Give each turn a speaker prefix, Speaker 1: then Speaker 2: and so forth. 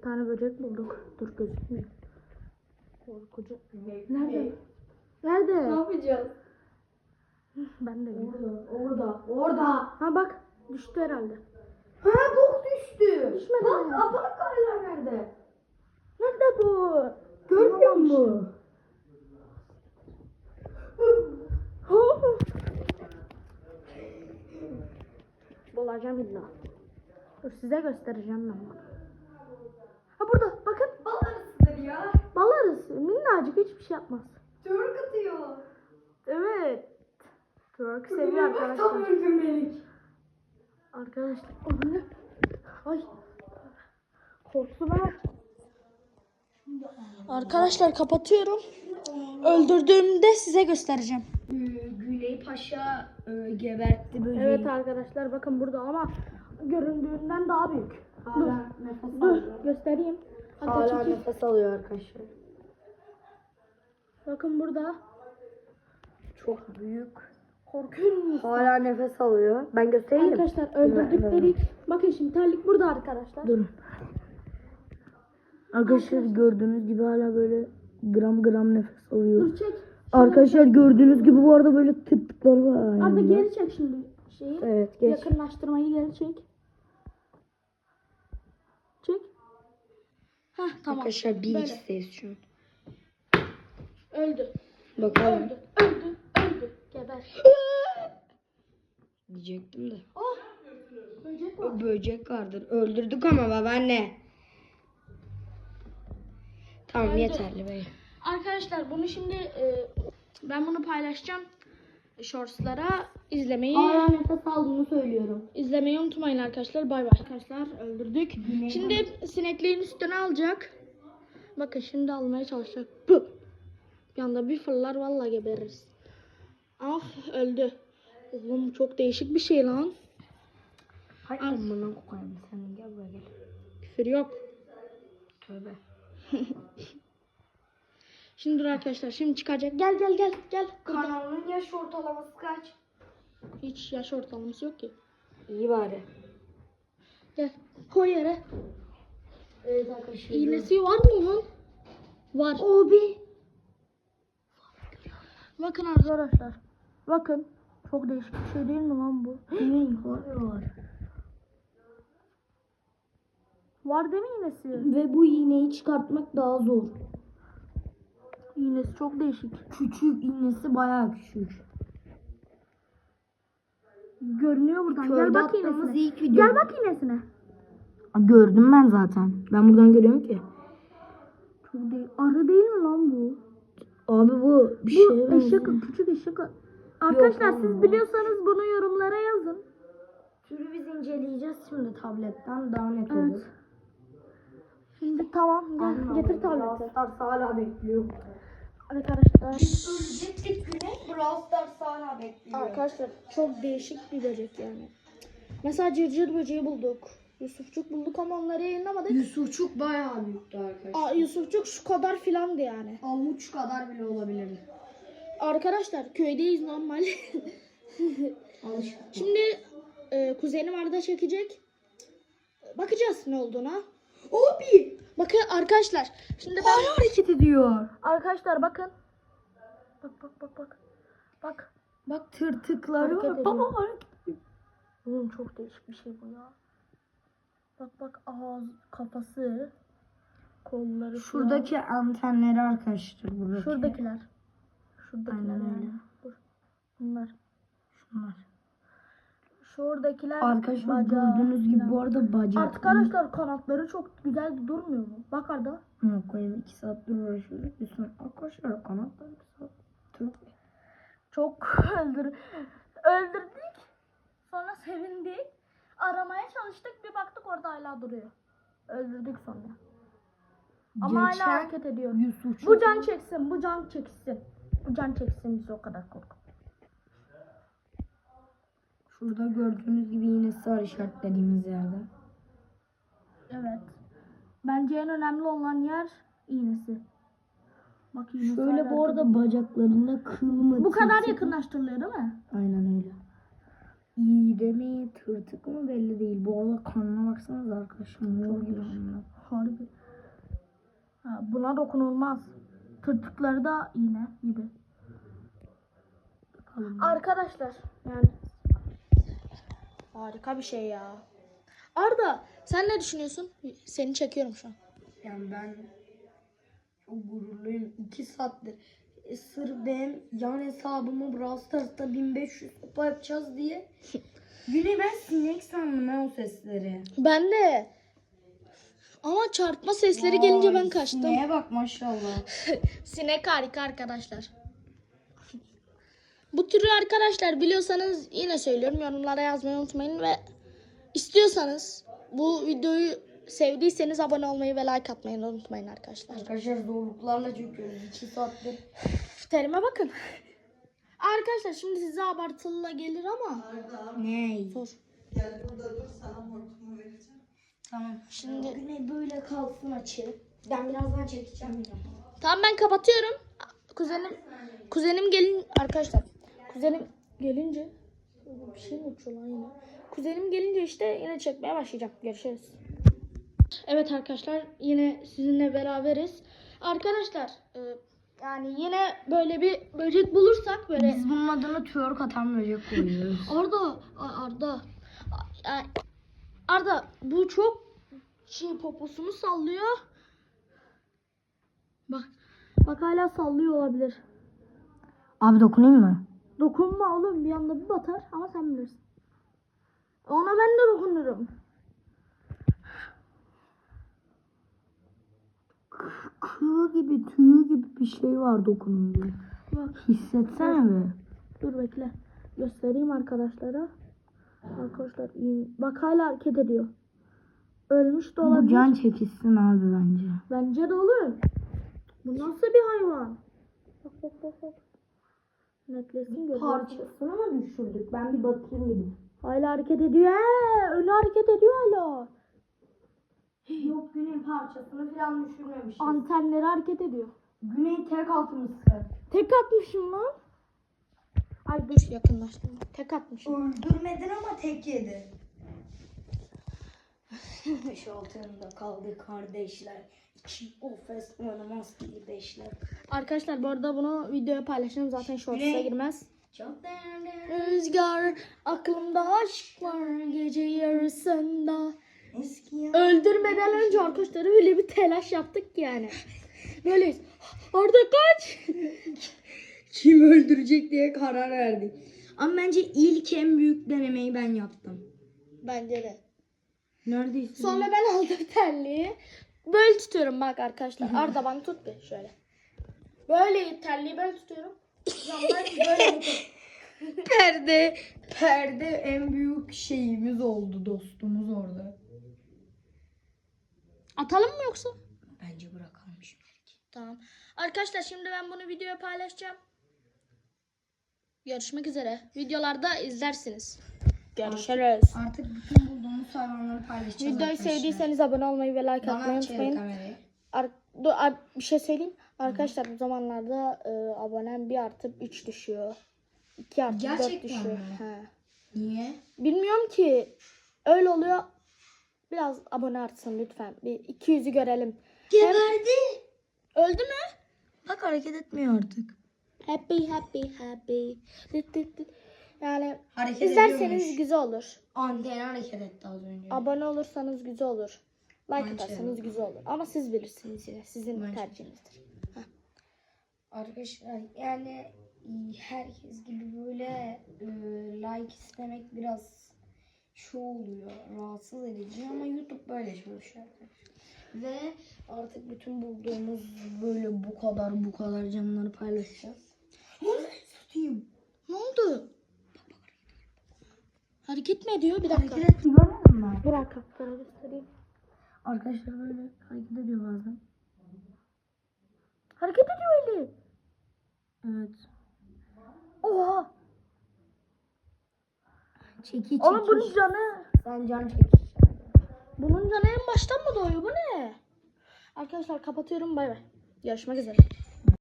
Speaker 1: Bir tane böcek bulduk. Dur gözükmüyor. Korkucu. Nerede? Nerede?
Speaker 2: Ne yapacağız?
Speaker 1: Ben de bilmiyorum.
Speaker 2: Orada.
Speaker 1: Ha bak düştü herhalde.
Speaker 2: Ha bok düştü.
Speaker 1: Düşmedi
Speaker 2: Bak
Speaker 1: mi?
Speaker 2: aparatlarla nerede?
Speaker 1: Nerede bu?
Speaker 2: Görmüyor musun?
Speaker 1: Bulacağım illa. Dur size göstereceğim ben bunu. Ha burada bakın.
Speaker 2: Bal arısıdır ya.
Speaker 1: Bal arısı minnacık hiçbir şey yapmaz.
Speaker 2: Twerk atıyor.
Speaker 1: Evet. Twerk seviyor
Speaker 2: Tam
Speaker 1: arkadaşlar.
Speaker 2: öldürmelik.
Speaker 1: Arkadaşlar. Anne. Ay. Korktum ben. Arkadaşlar kapatıyorum. Öldürdüğümde size göstereceğim.
Speaker 2: Güney Paşa gebertti böceği.
Speaker 1: Evet arkadaşlar bakın burada ama göründüğünden daha büyük.
Speaker 2: Hala nefes
Speaker 1: Dur
Speaker 2: alıyor.
Speaker 1: göstereyim. Hatta
Speaker 2: Hala
Speaker 1: çekeyim.
Speaker 2: nefes alıyor arkadaşlar.
Speaker 1: Bakın burada.
Speaker 2: Çok büyük.
Speaker 1: Korkuyor musunuz?
Speaker 2: Hala nefes alıyor. Ben göstereyim.
Speaker 1: Arkadaşlar öldürdükleri. Bakın şimdi terlik burada arkadaşlar.
Speaker 2: Durun. Arkadaşlar gördüğünüz gibi hala böyle gram gram nefes alıyor.
Speaker 1: Dur çek.
Speaker 2: Arkadaşlar gördüğünüz gibi bu arada böyle tıptıklar var.
Speaker 1: Arda geri çek şimdi şeyi.
Speaker 2: Evet geç.
Speaker 1: Yakınlaştırmayı geri çek. Çek. Heh tamam.
Speaker 2: Arkadaşlar bir
Speaker 1: Böyle.
Speaker 2: isteyiz şu an.
Speaker 1: Öldü.
Speaker 2: Bakalım.
Speaker 1: Öldü. Geber.
Speaker 2: Diyecektim de.
Speaker 1: Oh. Böcek var.
Speaker 2: O böcek vardır. Öldürdük ama babaanne. Tamam
Speaker 1: Öldü.
Speaker 2: yeterli be.
Speaker 1: Arkadaşlar bunu şimdi ben bunu paylaşacağım. Shortslara izlemeyi
Speaker 2: nefes aldığını söylüyorum.
Speaker 1: izlemeyi unutmayın arkadaşlar. Bay bay. Arkadaşlar öldürdük. Şimdi sinekliğin üstüne alacak. Bakın şimdi almaya çalışacak. Pı! Bir anda bir fırlar vallahi gebeririz. Ah öldü. Oğlum çok değişik bir şey lan.
Speaker 2: Hay amına koyayım sen gel buraya gel.
Speaker 1: Küfür yok.
Speaker 2: Tövbe.
Speaker 1: Şimdi dur arkadaşlar şimdi çıkacak. Gel. Burada.
Speaker 2: Kanalın yaş ortalaması kaç?
Speaker 1: Hiç yaş ortalaması yok ki.
Speaker 2: İyi bari.
Speaker 1: Gel. Koy yere.
Speaker 2: Evet arkadaşlar.
Speaker 1: İğnesi var mı onun? Var.
Speaker 2: Abi.
Speaker 1: Bakın arkadaşlar. Bakın. Çok değişik bir şey değil mi lan bu?
Speaker 2: Var.
Speaker 1: Var değil mi iğnesi?
Speaker 2: Ve bu iğneyi çıkartmak daha zor.
Speaker 1: İğnesi çok değişik.
Speaker 2: Küçük iğnesi bayağı küçük.
Speaker 1: Görünüyor buradan.
Speaker 2: Köyde
Speaker 1: Gel bak
Speaker 2: attığımız
Speaker 1: iğnesine.
Speaker 2: ilk video.
Speaker 1: Gel bak iğnesine.
Speaker 2: Gördüm ben zaten. Ben buradan görüyorum ki.
Speaker 1: Çok değil. Arı değil mi lan bu?
Speaker 2: Abi bu bir
Speaker 1: Bu
Speaker 2: şey
Speaker 1: eşek,
Speaker 2: benziyor.
Speaker 1: küçük eşek. Arkadaşlar
Speaker 2: Yok,
Speaker 1: siz
Speaker 2: olmaz.
Speaker 1: biliyorsanız bunu yorumlara yazın.
Speaker 2: Türü biz inceleyeceğiz şimdi tabletten daha net
Speaker 1: Evet.
Speaker 2: olur.
Speaker 1: Şimdi tamam gel getir tableti.
Speaker 2: Brawl Stars hala bekliyor.
Speaker 1: Arkadaşlar.
Speaker 2: Ölecektik güne. Brawl Stars hala bekliyor.
Speaker 1: Arkadaşlar çok değişik bir böcek yani. Mesela cırcır böceği bulduk. Yusufçuk bulduk ama onları yayınlamadık.
Speaker 2: Yusufçuk bayağı büyüktü arkadaşlar.
Speaker 1: Yusufçuk şu kadar filandı yani.
Speaker 2: Avuç kadar bile olabilir.
Speaker 1: Arkadaşlar köydeyiz normal.
Speaker 2: Alışık.
Speaker 1: Şimdi kuzenim Arda çekecek. Bakacağız ne olduğuna.
Speaker 2: Abi.
Speaker 1: Bakın arkadaşlar. Şimdi ben...
Speaker 2: Hala hareket ediyor.
Speaker 1: Arkadaşlar bakın. Bak.
Speaker 2: Bak tırtıkları
Speaker 1: Hareket
Speaker 2: var.
Speaker 1: ediyor.
Speaker 2: Baba hareket ediyor.
Speaker 1: Oğlum çok değişik bir şey bu ya. Bak ağız, kafası, kolları.
Speaker 2: Şuradaki antenleri arkadaşlar buradaki.
Speaker 1: Şuradakiler. Şuradakiler
Speaker 2: Aynen
Speaker 1: yani.
Speaker 2: öyle.
Speaker 1: Dur. Bunlar.
Speaker 2: Şunlar.
Speaker 1: Şuradakiler.
Speaker 2: Arkadaşlar
Speaker 1: bacağı
Speaker 2: gördüğünüz gibi
Speaker 1: falan.
Speaker 2: bu arada bacak.
Speaker 1: Artık arkadaşlar kanatları çok güzel durmuyor mu? Bak Arda.
Speaker 2: Ama koyayım 2 saattir uğraşıyoruz. Bir sonra arkadaşlar kanatlar 2 saat.
Speaker 1: Çok öldürdük. Sonra sevindik. Aramaya çalıştık. Bir baktık orada hala duruyor. Öldürdük sonra. Ama hala hareket ediyor.
Speaker 2: Yusuf
Speaker 1: Bu can çeksin. Bu can çeksin. Bu can çeksin bizi o kadar korkun.
Speaker 2: Şurada gördüğünüz gibi yine sarı işaretlediğimiz yerde.
Speaker 1: Evet. Bence en önemli olan yer iğnesi. Bak iğnesi
Speaker 2: Şöyle
Speaker 1: hala
Speaker 2: bu
Speaker 1: hareket
Speaker 2: arada
Speaker 1: ediyor.
Speaker 2: bacaklarında kıl mı?
Speaker 1: Bu kadar
Speaker 2: tırtık mı?
Speaker 1: yakınlaştırılıyor değil mi?
Speaker 2: Aynen öyle. İğde mi tırtık mı belli değil. Bu arada kanına baksanıza arkadaşlar. Mor gibi.
Speaker 1: Harbi. Buna dokunulmaz. Tırtıkları da iğne gibi. Arkadaşlar yani harika bir şey ya. Arda sen ne düşünüyorsun? Seni çekiyorum şu an.
Speaker 2: Yani ben çok gururluyum. 2 saattir sırf benim yan hesabımı Brawl Stars'ta 1500 kupa yapacağız diye. Güne ben sinek sandım ha o sesleri.
Speaker 1: Ben de. Ama çarpma sesleri gelince ben kaçtım.
Speaker 2: Sineğe bak maşallah.
Speaker 1: Sinek harika arkadaşlar. Bu türü arkadaşlar biliyorsanız yine söylüyorum, yorumlara yazmayı unutmayın ve istiyorsanız bu videoyu sevdiyseniz abone olmayı ve like atmayı unutmayın arkadaşlar.
Speaker 2: Arkadaşlar zorluklarla çekiyoruz 2 saattir.
Speaker 1: Terime bakın. Arkadaşlar şimdi size abartılı gelir ama
Speaker 2: Ne?
Speaker 1: sor.
Speaker 3: Gel burada dur, sana hortumu vereceğim.
Speaker 2: Tamam.
Speaker 1: Şimdi
Speaker 2: Güne böyle kalsın açı. Ben birazdan çekeceğim.
Speaker 1: tamam ben kapatıyorum. Kuzenim gelin arkadaşlar. Kuzenim gelince bir şey mi uçuyor lan yine? Kuzenim gelince işte yine çekmeye başlayacağım. Görüşürüz. Evet arkadaşlar yine sizinle beraberiz. Arkadaşlar yani yine böyle bir böcek bulursak böyle
Speaker 2: Biz bunun adına twerk atan böcek koyuyoruz.
Speaker 1: Arda bu çok poposunu sallıyor. Bak hala sallıyor olabilir.
Speaker 2: Abi dokunayım mı?
Speaker 1: Dokunma oğlum, bir anda bir batar ama sen bilirsin. Ona ben de dokunurum.
Speaker 2: Kığı gibi, tüyü gibi bir şey var dokununca.
Speaker 1: Bak
Speaker 2: Hissetsene be.
Speaker 1: dur bekle. Göstereyim arkadaşlara. Arkadaşlar bak hala hareket ediyor. Ölmüş de olabilir.
Speaker 2: Bu can çekişsin abi bence.
Speaker 1: Bence de olur. Bu nasıl bir hayvan? Bak. Netlesin gözü.
Speaker 2: Parçasını mı düşürdük? Ben bir bakayım gidip.
Speaker 1: Hala hareket ediyor. Önü hareket ediyor hala.
Speaker 2: Yok Güney parçasını falan düşürmemişiz.
Speaker 1: Antenleri hareket ediyor.
Speaker 2: Güney tek atmışsın.
Speaker 1: Tek atmışım lan. Ay dur yakınlaştım. Tek atmışım.
Speaker 2: Öldürmedin ama tek yedi. Ateş altında kaldı kardeşler. İki ofes oynamaz gibi beşler.
Speaker 1: Arkadaşlar bu arada bunu videoya paylaşırım. Zaten shorts'a
Speaker 2: Ne?
Speaker 1: girmez.
Speaker 2: Çok değerli.
Speaker 1: Rüzgar aklımda aşk var gece yarısında.
Speaker 2: Eski ya.
Speaker 1: Öldürmeden önce arkadaşlar öyle bir telaş yaptık ki yani. Böyleyiz. Arda kaç.
Speaker 2: Kim öldürecek diye karar verdik. Ama bence ilk en büyük denemeyi ben yaptım.
Speaker 1: Bence de.
Speaker 2: Neredeyse.
Speaker 1: Sonra ben aldım terliği. Böyle tutuyorum bak arkadaşlar. Arda bana tut bir şöyle. Böyle terliği ben tutuyorum. Camdan böyle tutuyorum.
Speaker 2: Perde en büyük şeyimiz oldu, dostumuz orada.
Speaker 1: Atalım mı yoksa?
Speaker 2: Bence bırakalım şimdi.
Speaker 1: Tamam. Arkadaşlar şimdi ben bunu videoya paylaşacağım. Görüşmek üzere. Videolarda izlersiniz. Görüşürüz.
Speaker 2: Artık bütün bulduğumuz hayvanları paylaşacağız.
Speaker 1: Videoyu
Speaker 2: arkadaşlar.
Speaker 1: sevdiyseniz abone olmayı ve like
Speaker 2: Bana
Speaker 1: atmayı
Speaker 2: çevir
Speaker 1: unutmayın.
Speaker 2: kamerayı.
Speaker 1: Bir şey söyleyeyim. Arkadaşlar bu zamanlarda abonem 1 artıp 3 düşüyor. 2 artıp 4
Speaker 2: Gerçekten
Speaker 1: düşüyor.
Speaker 2: mi?
Speaker 1: He.
Speaker 2: Niye?
Speaker 1: Bilmiyorum ki. Öyle oluyor. Biraz abone artsın lütfen. Bir 200'ü görelim.
Speaker 2: Geberdi.
Speaker 1: Öldü mü?
Speaker 2: Bak hareket etmiyor artık.
Speaker 1: Happy. Yani
Speaker 2: Hareket
Speaker 1: izlerseniz
Speaker 2: ediyormuş.
Speaker 1: güzel olur.
Speaker 2: Anteni hareket etti az önce.
Speaker 1: Abone olursanız güzel olur. Like
Speaker 2: Bence.
Speaker 1: atarsanız güzel olur. Ama siz bilirsiniz yine. Sizin
Speaker 2: Bence.
Speaker 1: tercihinizdir.
Speaker 2: Arkadaşlar yani herkes gibi böyle like istemek biraz şu oluyor, rahatsız edici ama YouTube böyle çalışıyor. Ve artık bütün bulduğumuz böyle bu kadar canlıları paylaşacağız. Tutayım.
Speaker 1: Ne oldu? Hareket mi ediyor? Bir dakika.
Speaker 2: Hareket etti görmedin mi?
Speaker 1: Bir dakika. Sana göstereyim.
Speaker 2: Arkadaşlar böyle hareket ediyor bazen.
Speaker 1: Hareket ediyor eli.
Speaker 2: Evet.
Speaker 1: Oha.
Speaker 2: Çeki.
Speaker 1: Oğlum bunun canı.
Speaker 2: Sen can çek.
Speaker 1: Bunun canı en baştan mı doğuyor? Bu ne? Arkadaşlar kapatıyorum. Bay bay. Görüşmek üzere.